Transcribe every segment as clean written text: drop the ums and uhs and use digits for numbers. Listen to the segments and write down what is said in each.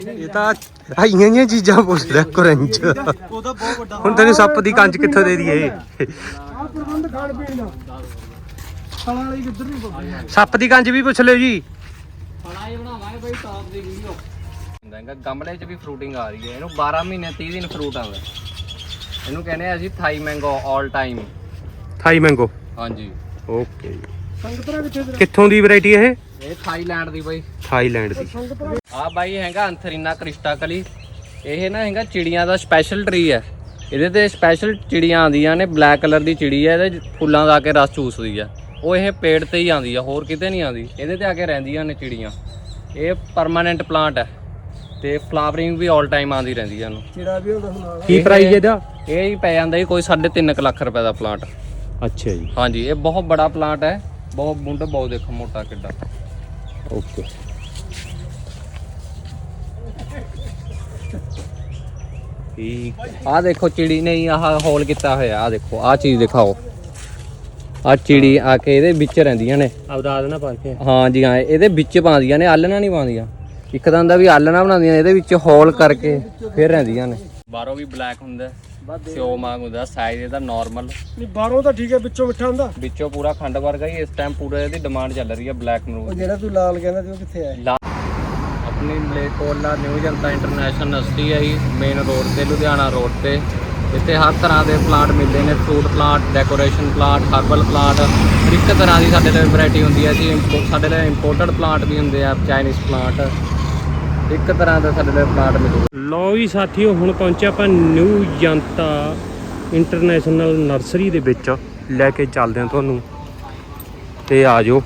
ਇਹ ਤਾਂ ਆਈਆਂ ਜੀਆਂ ਚੀਜ਼ਾਂ ਪੁੱਛਦਾ ਕਰੰਚ। ਉਹਦਾ ਬਹੁਤ ਵੱਡਾ ਹੁਣ ਤੈਨੂੰ ਸੱਪ ਦੀ ਕੰਚ ਕਿੱਥੋਂ ਦੇ ਦਈਏ? ਆ ਪ੍ਰਬੰਧ ਖਾਣ ਪੀਣ ਦਾ ਫਲਾਂ ਵਾਲੀ ਕਿੱਧਰ ਨਹੀਂ ਪਈ। ਸੱਪ ਦੀ ਕੰਚ ਵੀ ਪੁੱਛ ਲਿਓ ਜੀ। ਫਲਾਂ ਹੀ ਬਣਾਵਾਂਗੇ ਬਈ ਟੌਪ ਦੀ ਵੀਡੀਓ। ਗਮਲੇ 'ਚ ਵੀ ਫਰੂਟਿੰਗ ਆ ਰਹੀ ਹੈ। ਇਹਨੂੰ 12 ਮਹੀਨੇ 30 ਦਿਨ ਫਰੂਟ ਆਉਂਦਾ। ਇਹਨੂੰ ਕਹਿੰਦੇ ਆ ਅਸੀਂ Thai mango all time. Thai mango. ਹਾਂਜੀ ਓਕੇ। ਸੰਗਤਰਾ ਕਿੱਥੋਂ ਦੀ ਵੈਰਾਈਟੀ ਇਹ? ਇਹ ਥਾਈਲੈਂਡ ਦੀ ਬਾਈ। ਥਾਈਲੈਂਡ ਦੀ। ਆ ਬਾਈ ਹੈਗਾ ਅੰਥਰੀਨਾ ਕ੍ਰਿਸਟਾਕਲੀ। ਇਹ ਨਾ ਹੈਗਾ ਚਿੜੀਆਂ ਦਾ ਸਪੈਸ਼ਲ ਟਰੀ ਹੈ। ਇਹਦੇ ਤੇ ਸਪੈਸ਼ਲ ਚਿੜੀਆਂ ਆਉਂਦੀਆਂ ਨੇ। ਬਲੈਕ ਕਲਰ ਦੀ ਚਿੜੀ ਹੈ। ਇਹਦੇ ਫੁੱਲਾਂ ਦਾ ਆ ਕੇ ਰਸ ਚੂਸਦੀ ਆ। ਉਹ ਇਹ ਪੇੜ ਤੇ ਹੀ ਆਉਂਦੀ ਆ, ਹੋਰ ਕਿਤੇ ਨਹੀਂ ਆਉਂਦੀ। ਇਹਦੇ ਤੇ ਆ ਕੇ ਰਹਿੰਦੀਆਂ ਨੇ ਚਿੜੀਆਂ। ਇਹ ਪਰਮਾਨੈਂਟ ਪਲਾਂਟ ਹੈ ਤੇ ਫਲਾਵਰਿੰਗ ਵੀ ਆਲ ਟਾਈਮ ਆਉਂਦੀ ਰਹਿੰਦੀ ਹੈ ਇਹਨੂੰ। ਚਿੜਾ ਵੀ ਹੁੰਦਾ ਨਾਲ। ਕੀ ਪ੍ਰਾਈਸ ਇਹਦਾ? ਇਹ ਹੀ ਪੈ ਜਾਂਦਾ ਜੀ ਕੋਈ 3.5 ਲੱਖ ਰੁਪਏ ਦਾ ਪਲਾਂਟ। ਅੱਛਾ ਜੀ। ਹਾਂਜੀ ਇਹ ਬਹੁਤ ਬੜਾ ਪਲਾਂਟ ਹੈ। ਬਹੁਤ ਬੁੰਡ ਬਹੁਤ ਦੇਖੋ ਮੋਟਾ ਕਿੱਡਾ। ਓਕੇ। ਠੀਕ। ਆਹ ਦੇਖੋ ਚਿੜੀ ਨੇ ਆਹ ਹੋਲ ਕੀਤਾ ਹੋਇਆ। ਆਹ ਦੇਖੋ ਆਹ ਚੀਜ਼ ਦਿਖਾਓ। ਆਹ ਚਿੜੀ ਆ ਕੇ ਇਹਦੇ ਵਿੱਚ ਰਹਿੰਦੀਆਂ ਨੇ। ਆਪਦਾ ਆਦਨਾ ਪਾ ਕੇ। ਹਾਂ ਜੀ ਹਾਂ ਇਹਦੇ ਵਿੱਚ ਪਾਉਂਦੀਆਂ ਨੇ, ਆਲਣਾ ਨਹੀਂ ਪਾਉਂਦੀਆਂ। ਇੱਕ ਤਾਂ ਹੁੰਦਾ ਵੀ ਆਲਣਾ ਬਣਾਉਂਦੀਆਂ, ਇਹਦੇ ਵਿੱਚ ਹੋਲ ਕਰਕੇ ਫਿਰ ਰਹਿੰਦੀਆਂ ਨੇ। ਬਾਹਰੋਂ ਵੀ ਬਲੈਕ ਹੁੰਦਾ, ਸਿਓ ਵਾਂਗ ਹੁੰਦਾ। ਸਾਈਜ਼ ਇਹਦਾ ਨਾਰਮਲ ਨਹੀਂ ਬਾਹਰੋਂ ਤਾਂ ਠੀਕ ਹੈ, ਵਿੱਚੋਂ ਮਿੱਠਾ ਹੁੰਦਾ। ਵਿੱਚੋਂ ਪੂਰਾ ਖੰਡ ਵਰਗਾ ਹੀ। ਇਸ ਟਾਈਮ ਪੂਰੇ ਇਹਦੀ ਡਿਮਾਂਡ ਚੱਲ ਰਹੀ ਹੈ ਬਲੈਕ ਉਹ ਅਮਰੂਦ। ਜਿਹੜਾ ਤੂੰ ਲਾਲ ਕਹਿੰਦਾ ਸੀ ਉਹ ਕਿੱਥੇ ਹੈ? ਆਪਣੀ Malerkotla new Janta international university ਹੈ ਜੀ, ਮੇਨ ਰੋਡ ਤੇ, ਲੁਧਿਆਣਾ ਰੋਡ ਤੇ। ਇੱਥੇ ਹਰ ਤਰ੍ਹਾਂ ਦੇ ਪਲਾਂਟ ਮਿਲਦੇ ਨੇ। Fruit plant, decoration plant, herbal plant, ਹਰ ਇੱਕ ਤਰ੍ਹਾਂ ਦੀ ਸਾਡੇ ਲਈ ਵੈਰਾਈਟੀ ਹੁੰਦੀ ਹੈ ਜੀ। ਸਾਡੇ ਲਈ ਇੰਪੋਰਟਡ ਪਲਾਂਟ ਵੀ ਹੁੰਦੇ ਆ, ਚਾਈਨੀਜ਼ ਪਲਾਂਟ, ਇੱਕ ਤਰ੍ਹਾਂ ਦਾ ਸਾਡੇ ਲਈ ਪਲਾਂਟ ਮਿਲੂਗਾ। ਲਓ ਜੀ ਸਾਥੀਓ, ਹੁਣ ਪਹੁੰਚੇ ਆਪਾਂ ਨਿਊ ਜਨਤਾ ਇੰਟਰਨੈਸ਼ਨਲ ਨਰਸਰੀ ਦੇ ਵਿੱਚ। ਲੈ ਕੇ ਚੱਲਦੇ ਹਾਂ ਤੁਹਾਨੂੰ ਤੇ ਆ ਜਾਓ।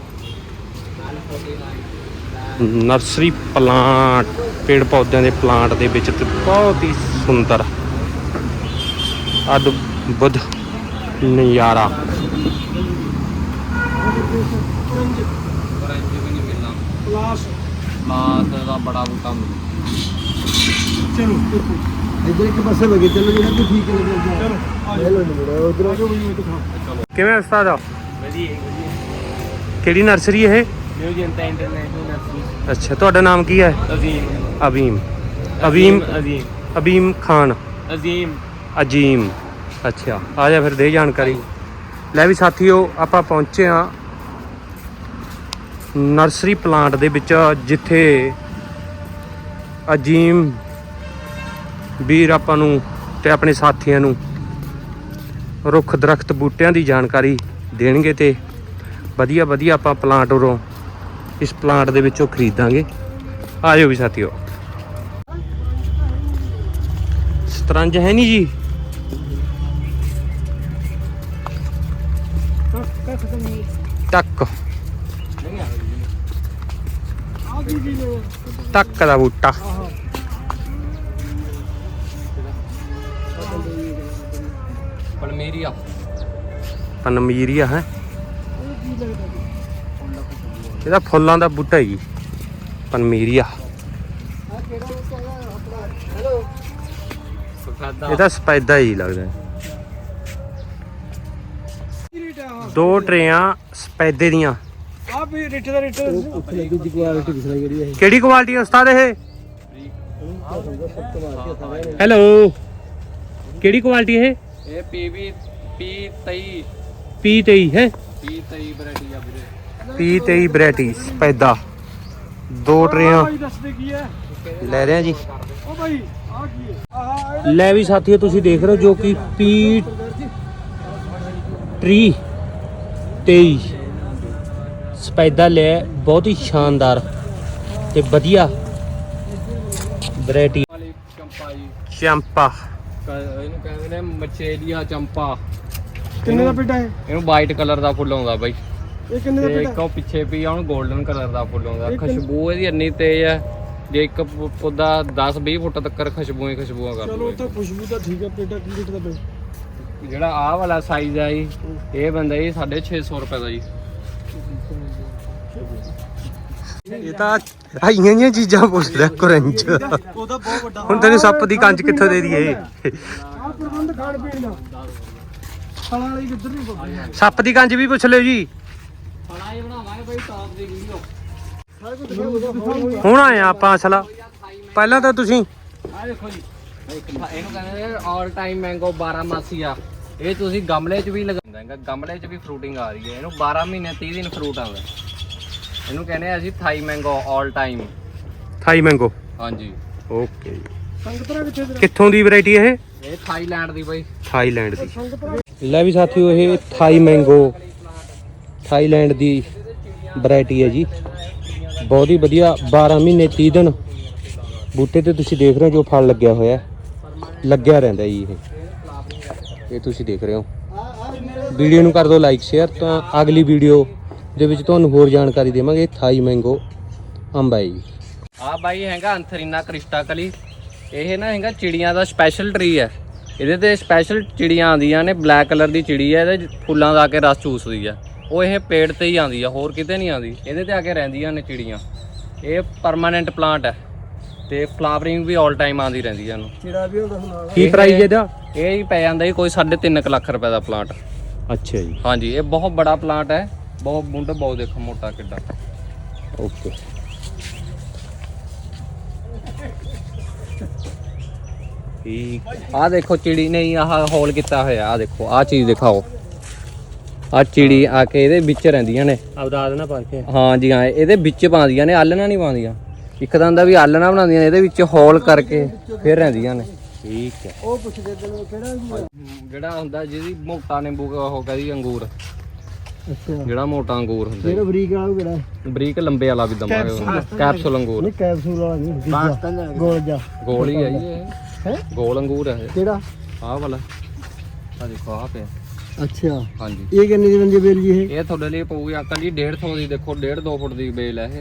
ਨਰਸਰੀ ਪਲਾਂਟ, ਪੇੜ ਪੌਦਿਆਂ ਦੇ ਪਲਾਂਟ ਦੇ ਵਿੱਚ ਤੇ ਬਹੁਤ ਹੀ ਸੁੰਦਰ ਅਦਭੁਤ ਨਜ਼ਾਰਾ। ਕਲਾਸ ਦਾ ਬੜਾ ਬੂਟਾ ਮਿਲੂ। ਚਲੋ ਇੱਧਰ ਇੱਕ ਪਾਸੇ ਲੱਗੇ ਚੱਲੋ, ਜਿਹੜਾ ਵੀ ਠੀਕ ਲੱਗੇ। ਚਲੋ ਆ ਜਾਓ ਉਧਰ ਆ ਜਾਓ ਵੀ ਮੈਂ ਦਿਖਾ। ਕਿਵੇਂ ਉਸਤਾਦ ਆ? ਵਧੀਆ ਕਿਹੜੀ ਨਰਸਰੀ ਇਹ? New Janta international nursery. ਅੱਛਾ, ਤੁਹਾਡਾ ਨਾਮ ਕੀ ਹੈ? ਅਜ਼ੀਮ। ਅਬੀਮ। ਅਬੀਮ। ਅਜ਼ੀਮ। ਅਬੀਮ ਖਾਨ। ਅਜ਼ੀਮ। ਅਜੀਮ। ਅੱਛਾ, ਆ ਜਾ ਫਿਰ ਦੇ ਜਾਣਕਾਰੀ। ਲੈ ਵੀ ਸਾਥੀਓ, ਆਪਾਂ ਪਹੁੰਚੇ ਆ ਨਰਸਰੀ ਪਲਾਂਟ ਦੇ ਵਿੱਚ, ਜਿੱਥੇ ਅਜੀਮ ਵੀਰ ਆਪਾਂ ਨੂੰ ਤੇ ਆਪਣੇ ਸਾਥੀਆਂ ਨੂੰ ਰੁੱਖ ਦਰਖਤ ਬੂਟਿਆਂ ਦੀ ਜਾਣਕਾਰੀ ਦੇਣਗੇ ਤੇ ਵਧੀਆ ਵਧੀਆ ਆਪਾਂ ਪਲਾਂਟ ਉਰੋਂ ਇਸ ਪਲਾਂਟ ਦੇ ਵਿੱਚੋਂ ਖਰੀਦਾਂਗੇ। ਆ ਜਾਓ ਵੀ ਸਾਥੀਓ। ਸਤਰੰਜ ਹੈ ਨਹੀਂ ਜੀ? ਟੱਕ ਟੱਕ ਦਾ ਬੂਟਾ। ਪਲਮੇਰੀਆ। ਪਨਮੀਰੀਆ ਹੈ ਇਹਦਾ ਫੁੱਲਾਂ ਦਾ ਬੂਟਾ ਹੀ ਪਨਮੀਰੀਆ। ਇਹਦਾ ਸਪੈਦਾ ਹੀ ਲੱਗਦਾ। ਦੋ ਟਰੇਆਂ ਸਪੈਦੇ ਦੀਆਂ। ਆ ਵੀ ਰੇਟ ਦਾ ਰੇਟ ਉੱਥੇ ਲੱਗੀ ਦੀ ਕੁਆਲਿਟੀ ਦਿਖਾਈ ਜਿਹੜੀ ਹੈ। ਕਿਹੜੀ ਕੁਆਲਿਟੀ ਉਸਤਾਦ ਇਹ? ਹੈਲੋ, ਕਿਹੜੀ ਕੁਆਲਿਟੀ ਇਹ? ਇਹ ਪੀਵੀ P23 P23 ਹੈ? P23 ਵੈਰਾਈਟੀ ਆ ਵੀਰੇ। P23 variety ਸਪੈਦਾ। ਦੋ ਟਰੇਆਂ ਭਾਈ ਦੱਸਦੇ ਕੀ ਹੈ? ਲੈ ਰਹੇ ਆ ਜੀ। ਉਹ ਭਾਈ ਆ ਕੀ ਹੈ? ਆਹ ਲੈ ਵੀ ਸਾਥੀਓ, ਤੁਸੀਂ ਦੇਖ ਰਹੇ ਹੋ ਜੋ ਕਿ P23 ਸਪੈਦਾ ਲੈ। ਬਹੁਤ ਹੀ ਸ਼ਾਨਦਾਰ ਤੇ ਵਧੀਆ ਵੈਰਾਈਟੀ। ਵਾਲੀ ਚੰਪਾ ਜੀ। ਚੰਪਾ। ਇਹਨੂੰ ਕਹਿੰਦੇ ਨੇ ਮਚੇਲੀਆ ਚੰਪਾ। ਕਿੰਨੇ ਦਾ ਪੇਟਾ ਹੈ? ਇਹਨੂੰ ਵਾਈਟ ਕਲਰ ਦਾ ਫੁੱਲ ਆਉਂਦਾ ਬਾਈ। ਇਹ ਕਿੰਨੇ ਦਾ ਤੇ ਪੇਟਾ? ਇੱਕ ਉਹ ਪਿੱਛੇ ਵੀ ਆ, ਉਹਨੂੰ 골ਡਨ ਕਲਰ ਦਾ ਫੁੱਲ ਆਉਂਦਾ। ਇਹ ਕਿੰਨੇ- ਖੁਸ਼ਬੂ ਇਹਦੀ ਇੰਨੀ ਤੇਜ਼ ਹੈ, ਜੇ ਇੱਕ ਪੌਦਾ 10-20 ਫੁੱਟ ਤੱਕ ਖੁਸ਼ਬੂਆਂ ਕਰ ਚਲੋ ਦੂਗਾ। ਤਾਂ ਖੁਸ਼ਬੂ ਤਾਂ ਠੀਕ ਹੈ। ਪੇਟਾ ਕੀ ਰੇਟ ਦਾ ਪਏ? ਜਿਹੜਾ ਆਹ ਵਾਲਾ ਸਾਈਜ਼ ਆ ਜੀ, ਇਹ ਬੰਦਾ ਜੀ 650 ਰੁਪਏ ਦਾ ਜੀ। ਇਹ ਤਾਂ ਆਈਆਂ ਜੀਆਂ ਚੀਜ਼ਾਂ ਪੁੱਛਦਾ ਕਰੰਚ। ਉਹਦਾ ਬਹੁਤ ਵੱਡਾ। ਹੁਣ ਤੈਨੂੰ ਸੱਪ ਦੀ ਕੰਚ ਕਿੱਥੋਂ ਦੇ ਦਈਏ? ਆ ਪ੍ਰਬੰਧ ਖਾਣ ਪੀਣ ਦਾ ਫਲਾਂ ਵਾਲੀ ਕਿੱਧਰ ਨਹੀਂ ਪਈ। ਸੱਪ ਦੀ ਕੰਚ ਵੀ ਪੁੱਛ ਲਿਓ ਜੀ। ਫਲਾਂ ਹੀ ਬਣਾਵਾਂਗੇ ਬਾਈ ਟੌਪ ਦੀ ਵੀਡੀਓ। ਸਾਰੇ ਕੁਝ ਦਿਖਾਓ। ਹੁਣ ਆਏ ਆ ਆਪਾਂ ਅਸਲ। ਥਾਈ ਪਹਿਲਾਂ ਤਾਂ ਤੁਸੀਂ ਆ ਦੇਖੋ ਜੀ ਇਹਨੂੰ ਕਹਿੰਦੇ ਨੇ ਆਲ ਟਾਈਮ ਮੈਂਗੋ 12 ਮਾਸੀ ਆ। ਇਹ ਤੁਸੀਂ ਗਮਲੇ 'ਚ ਵੀ ਲਗਾਉਂਦਾ ਹੈਗਾ, ਗਮਲੇ 'ਚ ਵੀ ਫਰੂਟਿੰਗ ਆ ਰਹੀ ਹੈ। ਇਹਨੂੰ 12 ਮਹੀਨੇ 30 ਦਿਨ ਫਰੂਟ ਆਉਂਦਾ। ਇਹਨੂੰ ਕਹਿੰਦੇ ਆ ਅਸੀਂ Thai mango all time. Thai mango. ਹਾਂਜੀ ਓਕੇ ਜੀ। ਕਿੱਥੋਂ ਦੀ ਵੈਰਾਈਟੀ ਇਹ? ਇਹ ਥਾਈਲੈਂਡ ਦੀ ਬਾਈ। ਥਾਈਲੈਂਡ ਦੀ। ਲੈ ਵੀ ਸਾਥੀਓ ਇਹ ਥਾਈ ਮੈਂਗੋ ਥਾਈਲੈਂਡ ਦੀ ਵੈਰਾਈਟੀ ਹੈ ਜੀ। ਬਹੁਤ ਹੀ ਵਧੀਆ 12 ਮਹੀਨੇ 30 ਦਿਨ ਬੂਟੇ ਤੇ ਤੁਸੀਂ ਦੇਖ ਰਹੇ ਹੋ ਜੋ ਫਲ ਲੱਗਿਆ ਹੋਇਆ ਲੱਗਿਆ ਰਹਿੰਦਾ ਜੀ। ਇਹ ਤੁਸੀਂ ਦੇਖ ਰਹੇ ਹੋ। ਵੀਡੀਓ ਨੂੰ ਕਰ ਦਿਓ ਲਾਈਕ ਸ਼ੇਅਰ। ਤਾਂ ਅਗਲੀ ਵੀਡੀਓ ਦੇ ਵਿੱਚ ਤੁਹਾਨੂੰ ਹੋਰ ਜਾਣਕਾਰੀ ਦੇਵਾਂਗੇ। ਥਾਈ ਮੈਂਗੋ ਅੰਬ ਹੈ ਜੀ। ਆ ਬਾਈ ਹੈਗਾ ਅੰਥਰੀਨਾ ਕ੍ਰਿਸਟਾ ਕਲੀ। ਇਹ ਨਾ ਹੈਗਾ ਚਿੜੀਆਂ ਦਾ ਸਪੈਸ਼ਲ ਟਰੀ ਹੈ। ਇਹਦੇ ਤੇ ਸਪੈਸ਼ਲ ਚਿੜੀਆਂ ਆਉਂਦੀਆਂ ਨੇ। ਬਲੈਕ ਕਲਰ ਦੀ ਚਿੜੀ ਹੈ, ਇਹਦੇ ਫੁੱਲਾਂ ਦਾ ਆ ਕੇ ਰਸ ਚੂਸਦੀ ਆ। ਉਹ ਇਹ ਪੇੜ ਤੇ ਹੀ ਆਉਂਦੀ ਆ, ਹੋਰ ਕਿਤੇ ਨਹੀਂ ਆਉਂਦੀ। ਇਹਦੇ ਤੇ ਆ ਕੇ ਰਹਿੰਦੀਆਂ ਨੇ ਚਿੜੀਆਂ। ਇਹ ਪਰਮਾਨੈਂਟ ਪਲਾਂਟ ਹੈ ਤੇ ਫਲਾਵਰਿੰਗ ਵੀ ਆਲ ਟਾਈਮ ਆਉਂਦੀ ਰਹਿੰਦੀ ਹੈ ਇਹਨੂੰ। ਚਿੜਾ ਵੀ ਹੁੰਦਾ ਹੁਣ। ਕੀ ਪ੍ਰਾਈਸ ਇਹਦਾ? ਇਹ ਹੀ ਪੈ ਜਾਂਦਾ ਜੀ ਕੋਈ 3.5 ਲੱਖ ਰੁਪਏ ਦਾ ਪਲਾਂਟ। ਅੱਛਾ ਜੀ। ਹਾਂਜੀ ਇਹ ਬਹੁਤ ਬੜਾ ਪਲਾਂਟ ਹੈ। ਬਹੁਤ ਮੁੰਡ ਬਹੁਤ ਦੇਖੋ ਮੋਟਾ ਕਿੱਡਾ। ਓਕੇ। ਆਹ ਦੇਖੋ ਚਿੜੀ ਨੇ ਆਹ ਹੋਲ ਕੀਤਾ ਹੋਇਆ। ਆਹ ਦੇਖੋ ਆਹ ਚੀਜ਼ ਦਿਖਾਓ। ਆਹ ਚਿੜੀ ਆ ਕੇ ਇਹਦੇ ਵਿੱਚ ਰਹਿੰਦੀਆਂ ਨੇ। ਆਉਦਾਦ ਨਾ ਪਾ ਕੇ। ਹਾਂ ਜੀ ਹਾਂ ਇਹਦੇ ਵਿੱਚ ਪਾਉਂਦੀਆਂ ਨੇ, ਆਲਣਾ ਨਹੀਂ ਪਾਉਂਦੀਆਂ। ਇੱਕ ਤਾਂ ਦਾ ਵੀ ਆਲਣਾ ਬਣਾਉਂਦੀਆਂ ਨੇ, ਇਹਦੇ ਵਿੱਚ ਹੋਲ ਕਰਕੇ ਫਿਰ ਰਹਿੰਦੀਆਂ ਨੇ। ਠੀਕ ਹੈ। ਉਹ ਪੁੱਛਦੇ ਤੈਨੂੰ ਕਿਹੜਾ ਜਿਹੜਾ ਹੁੰਦਾ ਜਿਹਦੀ ਮੋਟਾ ਨਿੰਬੂ ਉਹ ਕਹਿੰਦੀ ਅੰਗੂਰ। ਅੱਛਾ ਜਿਹੜਾ ਮੋਟਾ ਅੰਗੂਰ ਹੁੰਦਾ ਜਿਹੜਾ ਬਰੀਕ ਵਾਲਾ ਉਹ ਕਿਹੜਾ? ਬਰੀਕ ਲੰਬੇ ਵਾਲਾ ਵੀ ਦਮਾਂਗੇ। ਕੈਪਸੂਲ ਅੰਗੂਰ। ਨਹੀਂ ਕੈਪਸੂਲ ਵਾਲਾ ਨਹੀਂ, ਗੋਲ ਜਾ। ਗੋਲ ਹੀ ਹੈ ਜੀ ਇਹ। ਹੈ ਗੋਲ ਅੰਗੂਰ ਹੈ ਇਹ। ਕਿਹੜਾ? ਆਹ ਵਾਲਾ। ਆਹ ਦੇਖੋ ਆਹ ਪਿਆ। ਅੱਛਾ ਹਾਂਜੀ ਇਹ ਕਿੰਨੇ ਦੀ ਬੰਦੀ ਬੇਲ ਜੀ ਇਹ? ਇਹ ਤੁਹਾਡੇ ਲਈ ਪਊਗੀ ਅੰਕਲ ਜੀ 150 ਦੀ। ਦੇਖੋ 1.5-2 ਫੁੱਟ ਦੀ ਬੇਲ ਹੈ ਇਹ।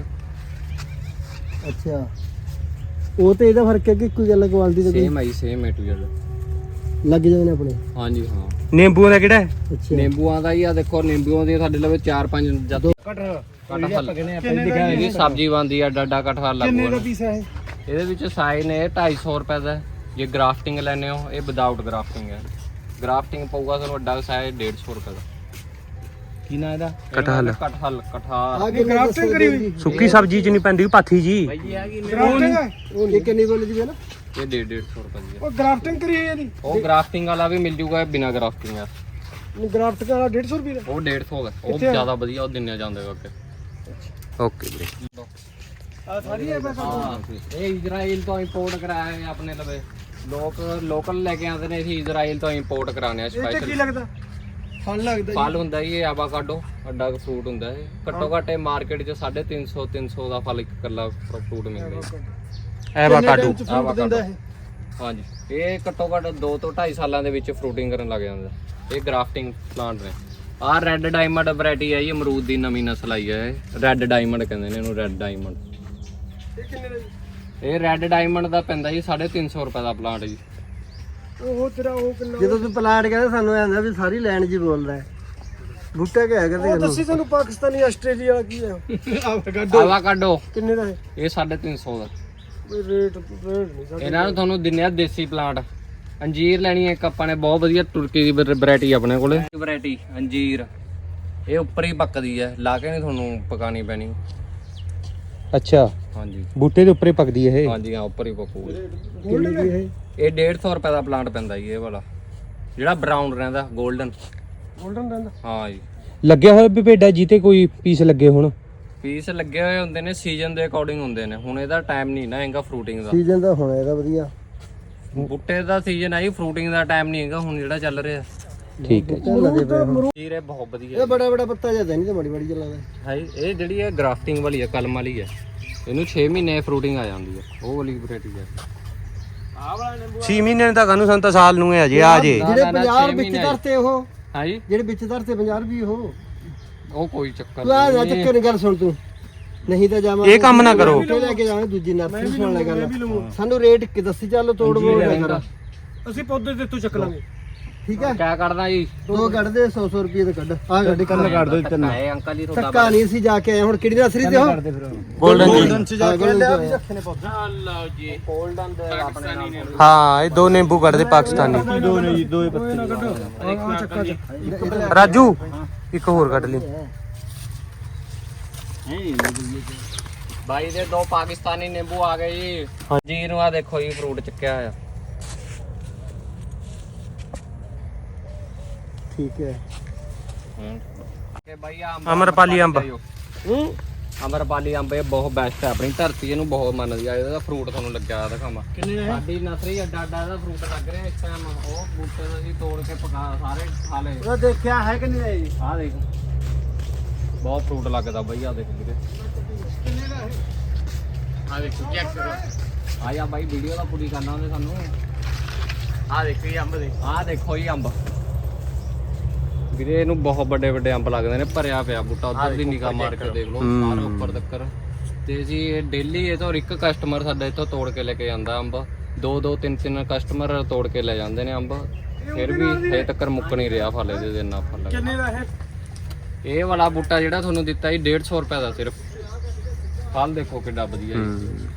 ਅੱਛਾ ਉਹ ਤੇ ਇਹਦਾ ਫਰਕ ਹੈ ਕਿ ਕੋਈ ਗੱਲ ਕੁਆਲਿਟੀ ਦਾ ਸੇਮ ਆਈ ਸੇਮ ਮਟੀਰੀਅਲ ਲੱਗ ਜਾਂਦੇ ਨੇ ਆਪਣੇ? ਹਾਂਜੀ ਹਾਂ। ਨਿੰਬੂਆਂ ਦਾ ਕਿਹੜਾ ਹੈ? ਅੱਛਾ ਨਿੰਬੂਆਂ ਦਾ ਹੀ ਆ ਦੇਖੋ। ਨਿੰਬੂਆਂ ਦੀ ਸਾਡੇ ਲਵੇ 4-5 ਜਦ ਇਹਦੀ ਸਬਜ਼ੀ ਬਣਦੀ ਆ। ਡਾਡਾ ਕਟਹਲ ਲੱਗੂਗਾ। ਕਿੰਨੇ ਦਾ ਪੀਸ ਹੈ ਇਹ? ਇਹਦੇ ਵਿੱਚ ਸਾਈਜ਼ ਨੇ 250 ਰੁਪਏ ਦਾ। ਜੇ ਗ੍ਰਾਫਟਿੰਗ ਲੈਣੇ ਹੋ ਇਹ ਵਿਦਆਊਟ ਗ੍ਰਾਫਟਿੰਗ ਹੈ। ਗ੍ਰਾਫਟਿੰਗ ਪਊਗਾ ਤੁਹਾਨੂੰ ਵੱਡਾ ਸਾਈਜ਼ 150 ਰੁਪਏ ਦਾ। ਕੀ ਨਾ ਇਹਦਾ? ਕਟਹਲ। ਕਟਹਲ ਆ ਕੇ ਗ੍ਰਾਫਟਿੰਗ ਕਰੀ ਹੋਈ ਸੁੱਕੀ ਸਬਜ਼ੀ ਚ ਨਹੀਂ ਪੈਂਦੀ ਪਾਥੀ ਜੀ। ਉਹ ਇਹ ਕਿੰਨੀ ਬੋਲ ਜੀ ਹੈ ਨਾ? ਇਹ 150 ਰੁਪਏ ਦੀ ਹੈ। ਉਹ ਗ੍ਰਾਫਟਿੰਗ ਕਰੀ ਹੋਈ ਇਹਦੀ? ਉਹ ਗ੍ਰਾਫਟਿੰਗ ਵਾਲਾ ਵੀ ਮਿਲ ਜੂਗਾ, ਬਿਨਾ ਗ੍ਰਾਫਟਿੰਗ ਆ। ਗ੍ਰਾਫਟ ਵਾਲਾ 150 ਰੁਪਏ ਦਾ? ਉਹ 150 ਦਾ। ਉਹ ਜ਼ਿਆਦਾ ਵਧੀਆ ਉਹ ਦਿੰਨੇ ਜਾਂਦੇ ਅੱਗੇ। ਓਕੇ ਵੀਰੇ। ਆ ਸਾਰੀ ਹੈ ਬਸ? ਹਾਂ ਇਹ ਇਜ਼ਰਾਈਲ ਤੋਂ ਇੰਪੋਰਟ ਕਰਾਇਆ ਹੈ ਆਪਣੇ ਲਵੇ। ਲੋਕਲ ਲੈ ਕੇ ਆਉਂਦੇ ਨੇ। ਅਸੀਂ ਇਜ਼ਰਾਈਲ ਤੋਂ ਇੰਪੋਰਟ ਕਰਾਣੇ ਆ ਸਪੈਸ਼ਲ। ਕੀ ਲੱਗਦਾ? ਫਲ ਲੱਗਦਾ ਫਲ ਹੁੰਦਾ ਜੀ ਇਹ ਆਵਾਕਾਡੋ। ਵੱਡਾ ਫਰੂਟ ਹੁੰਦਾ ਇਹ। ਘੱਟੋ ਘੱਟ ਇਹ ਮਾਰਕੀਟ 'ਚ 350 ਦਾ ਫਲ ਇੱਕ ਇਕੱਲਾ ਫਰੂਟ ਮਿਲਦਾ ਜੀ। ਐਵਾਕਾਡੋ। ਦਿੰਦਾ ਇਹ? ਹਾਂਜੀ ਇਹ ਘੱਟੋ ਘੱਟ 2 ਤੋਂ 2.5 ਸਾਲਾਂ ਦੇ ਵਿੱਚ ਫਰੂਟਿੰਗ ਕਰਨ ਲੱਗ ਜਾਂਦਾ। ਇਹ ਗ੍ਰਾਫਟਿੰਗ ਪਲਾਂਟ ਨੇ। ਆਹ ਰੈੱਡ ਡਾਇਮੰਡ ਵੈਰਾਈਟੀ ਹੈ ਜੀ। ਅਮਰੂਦ ਦੀ ਨਵੀਂ ਨਸਲ ਆਈ ਹੈ ਇਹ। ਰੈੱਡ ਡਾਇਮੰਡ ਕਹਿੰਦੇ ਨੇ ਇਹਨੂੰ। Red diamond. ਇਹ ਕਿੰਨੇ ਦਾ ਜੀ? ਇਹ ਰੈੱਡ ਡਾਇਮੰਡ ਦਾ ਪੈਂਦਾ ਜੀ 350 ਰੁਪਏ ਦਾ ਪਲਾਂਟ ਜੀ। ਉਹ ਤੇਰਾ ਉਹ ਕਿੰਨਾ? ਜਦੋਂ ਤੂੰ ਪਲਾਂਟ ਕਹਿੰਦਾ ਸਾਨੂੰ ਆਂਦਾ ਵੀ ਸਾਰੀ ਲੈਂਡ ਜੀ ਬੋਲਦਾ ਹੈ। ਬੂਟਾ ਕਿਹਾ ਕਰਦੇ ਉਹ ਦੱਸੀ ਸਾਨੂੰ। ਪਾਕਿਸਤਾਨੀ ਆਸਟ੍ਰੇਲੀਆ ਕੀ ਹੈ? ਆਵਾਕਾਡੋ ਕਿੰਨੇ ਦਾ ਹੈ? ਇਹ 350 ਦਾ। ਰੇਟ ਨਹੀਂ ਸਾਡੇ। ਇਹਨਾਂ ਨੂੰ ਤੁਹਾਨੂੰ ਦਿੰਨੇ ਆ ਦੇਸੀ ਪਲਾਂਟ। ਅੰਜੀਰ ਲੈਣੀ ਹੈ ਇੱਕ ਆਪਾਂ ਨੇ। ਬਹੁਤ ਵਧੀਆ ਤੁਰਕੀ ਦੀ ਵੈਰਾਈਟੀ ਆਪਣੇ ਕੋਲੇ। ਵੈਰਾਈਟੀ ਅੰਜੀਰ ਇਹ ਉੱਪਰ ਹੀ ਪੱਕਦੀ ਹੈ। ਲਾ ਕੇ ਨਹੀਂ ਤੁਹਾਨੂੰ ਪਕਾਣੀ ਪੈਣੀ। ਅੱਛਾ ਹਾਂਜੀ ਬੂਟੇ ਦੇ ਉੱਪਰ ਹੀ ਪੱਕਦੀ ਹੈ ਇਹ? ਹਾਂਜੀ ਹਾਂ ਉੱਪਰ ਹੀ ਪਕੂਗੀ। ਕਿੰਨੀ ਦੀ ਹੈ? ਇਹ 150 ਰੁਪਏ ਦਾ ਪਲਾਂਟ ਪੈਂਦਾ ਜੀ ਇਹ ਵਾਲਾ। ਜਿਹੜਾ ਬਰਾਊਨ ਰਹਿੰਦਾ 골ਡਨ। ਗੋਲਡਨ ਰਹਿੰਦਾ? ਹਾਂ ਜੀ। ਲੱਗਿਆ ਹੋਇਆ ਵੀ ਭੇਡਾ ਜੀ ਤੇ ਕੋਈ ਪੀਸ ਲੱਗੇ ਹੁਣ? ਪੀਸ ਲੱਗੇ ਹੋਏ ਹੁੰਦੇ ਨੇ ਸੀਜ਼ਨ ਦੇ ਅਕੋਰਡਿੰਗ ਹੁੰਦੇ ਨੇ। ਹੁਣ ਇਹਦਾ ਟਾਈਮ ਨਹੀਂ ਨਾ ਹੈਗਾ ਫਰੂਟਿੰਗ ਦਾ। ਸੀਜ਼ਨ ਦਾ ਹੋਣਾ ਇਹਦਾ ਵਧੀਆ। ਬੂਟੇ ਦਾ ਸੀਜ਼ਨ ਹੈ ਜੀ। ਫਰੂਟਿੰਗ ਦਾ ਟਾਈਮ ਨਹੀਂ ਹੈਗਾ ਹੁਣ ਜਿਹੜਾ ਚੱਲ ਰਿਹਾ। ਠੀਕ ਹੈ। ਅੰਜੀਰ ਇਹ ਬਹੁਤ ਵਧੀਆ ਇਹ ਬੜਾ ਬੜਾ ਪੱਤਾ ਜਿਆਦਾ ਨਹੀਂ ਤੇ ਬੜੀ ਬੜੀ ਚੱਲਦਾ ਹੈ। ਇਹ ਜਿਹੜੀ ਹੈ ਗ੍ਰਾਫਟਿੰਗ ਵਾਲੀ ਹੈ, ਕਲਮ ਵਾਲੀ ਹੈ। ਇਹਨੂੰ 6 ਮਹੀਨੇ ਫਰੂਟਿੰਗ ਆ ਜਾਂਦੀ ਹੈ। ਉਹ ਵਾਲੀ ਵੈਰਾਈਟੀ ਹੈ। 6 ਮਹੀਨੇ ਤਾਂ ਕਾਨੂੰ ਸੰਤਾ ਸਾਲ ਨੂੰ ਹੈ ਜੇ ਆ ਜੇ। ਜਿਹੜੇ 50 ਵਿੱਚ ਧਰਤੇ ਉਹ ਹਾਂ ਜੀ। ਜਿਹੜੇ ਵਿੱਚ ਧਰਤੇ 50 ਵੀ ਉਹ ਕੋਈ ਚੱਕਰ ਤੂੰ ਆ ਜਾ ਚੱਕਰ ਨਹੀਂ। ਗੱਲ ਸੁਣ ਤੂੰ। ਨਹੀਂ ਤਾਂ ਜਾਵਾਂ ਇਹ ਕੰਮ ਨਾ ਕਰੋ। ਲੈ ਕੇ ਜਾਵਾਂਗੇ ਦੂਜੀ ਨਰਸਰੀ ਸੁਣ ਲੈ ਗੱਲ। ਸਾਨੂੰ ਰੇਟ ਕਿ ਦੱਸੀ ਚੱਲ ਤੋੜ ਮੋੜ ਨਾ ਕਰ। ਅਸੀਂ ਪੌਦੇ ਤੇ ਤੂੰ ਚੱਕ ਲਾਂਗੇ। ਠੀਕ ਹੈ ਕਿਆ ਕਰਦਾ ਜੀ? ਦੋ ਕੱਢ ਦੇ 100 ਰੁਪਏ ਤੇ ਕੱਢ। ਆ ਗੱਡੀ ਕੱਢ ਕੱਢ ਦੋ ਤਿੰਨ। ਇਹ ਅੰਕਲ ਜੀ ਤੁਹਾਡਾ ਧੱਕਾ ਨਹੀਂ ਅਸੀਂ ਜਾ ਕੇ ਆਏ। ਹੁਣ ਕਿਹੜੀ ਨਰਸਰੀ ਤੇ ਹੋ? 골ਡਨ ਚ ਜਾ ਕੇ ਲਿਆ ਵੀ ਰੱਖੇ ਨੇ ਪੌਦੇ। ਲਓ ਜੀ 골ਡਨ ਦੇ ਆਪਣੇ ਨਾਲ। ਹਾਂ ਇਹ ਦੋ ਨਿੰਬੂ ਕੱਢਦੇ ਪਾਕਿਸਤਾਨੀ। ਦੋ ਨੇ ਜੀ, ਦੋ ਪੱਤੇ ਨਾ ਕੱਢੋ। ਆ ਚੱਕਾ ਚ ਰਾਜੂ ਇੱਕ ਹੋਰ ਕੱਢ ਲਈ। ਬਾਈ ਦੇ 2 ਪਾਕਿਸਤਾਨੀ ਨਿੰਬੂ ਆ ਗਏ ਜੀ ਜੀ ਨੂੰ ਆ ਦੇਖੋ ਜੀ ਫਰੂਟ ਚੱਕਿਆ ਹੋਇਆ ਠੀਕ ਹੈ ਕਿ ਬਾਈ ਅਮਰਪਾਲੀ ਅੰਬ। ਅਮਰਪਾਲੀ ਅੰਬ ਇਹ ਬਹੁਤ ਬੈਸਟ ਹੈ ਆਪਣੀ ਧਰਤੀ ਇਹਨੂੰ ਬਹੁਤ ਮੰਨਦੀ ਆ ਇਹਦਾ ਫਰੂਟ ਤੁਹਾਨੂੰ ਲੱਗਿਆ ਦਿਖਾਵਾਂ ਕਿੰਨੇ ਹੈ ਸਾਡੀ ਨਰਸਰੀ ਅੱਡਾ ਇਹਦਾ ਫਰੂਟ ਲੱਗ ਰਿਹਾ ਇਸ ਟਾਈਮ ਉਹ ਬੂਟੇ ਤੋਂ ਅਸੀਂ ਤੋੜ ਕੇ ਪਕਾ ਸਾਰੇ ਖਾ ਲਏ ਉਹ ਦੇਖਿਆ ਹੈ ਕਿ ਨਹੀਂ ਹੈ ਜੀ ਆਹ ਦੇਖ ਬਹੁਤ ਫਰੂਟ ਲੱਗਦਾ ਬਈ ਆ ਦੇਖ ਵੀਰੇ ਕਿੰਨੇ ਦਾ ਹੈ ਆ ਦੇਖੋ ਚੈੱਕ ਕਰੋ ਆਇਆ ਬਾਈ ਵੀਡੀਓ ਦਾ ਪੂਰੀ ਕਰਨਾ ਉਹਨੇ ਸਾਨੂੰ ਆ ਦੇਖੋ ਇਹ ਅੰਬ ਦੇ ਆ ਦੇਖੋ ਇਹ ਅੰਬ ਵੀਰੇ ਇਹਨੂੰ ਬਹੁਤ ਵੱਡੇ ਵੱਡੇ ਅੰਬ ਲੱਗਦੇ ਨੇ ਭਰਿਆ ਪਿਆ ਬੂਟਾ ਉਧਰ ਦੀ ਨਿਗਾਹ ਮਾਰ ਕੇ ਦੇਖ ਲਓ ਸਾਰਾ ਉੱਪਰ ਤੱਕ ਤੇ ਜੀ ਇਹ ਡੇਲੀ ਇਹ ਤੋਂ ਇੱਕ ਕਸਟਮਰ ਸਾਡਾ ਇੱਥੋਂ ਤੋੜ ਕੇ ਲੈ ਕੇ ਜਾਂਦਾ ਅੰਬ 2-2 3-3 ਕਸਟਮਰ ਤੋੜ ਕੇ ਲੈ ਜਾਂਦੇ ਨੇ ਅੰਬ ਫਿਰ ਵੀ ਹਜੇ ਤੱਕ ਮੁੱਕ ਨਹੀਂ ਰਿਹਾ ਫਲ ਇਹਦੇ ਇੰਨਾ ਫਲ ਕਿੰਨੇ ਦਾ ਹੈ ਇਹ ਵਾਲਾ ਬੂਟਾ ਜਿਹੜਾ ਤੁਹਾਨੂੰ ਦਿੱਤਾ ਜੀ 150 ਰੁਪਏ ਦਾ ਸਿਰਫ ਫਲ ਦੇਖੋ ਕਿੱਡਾ ਵਧੀਆ ਜੀ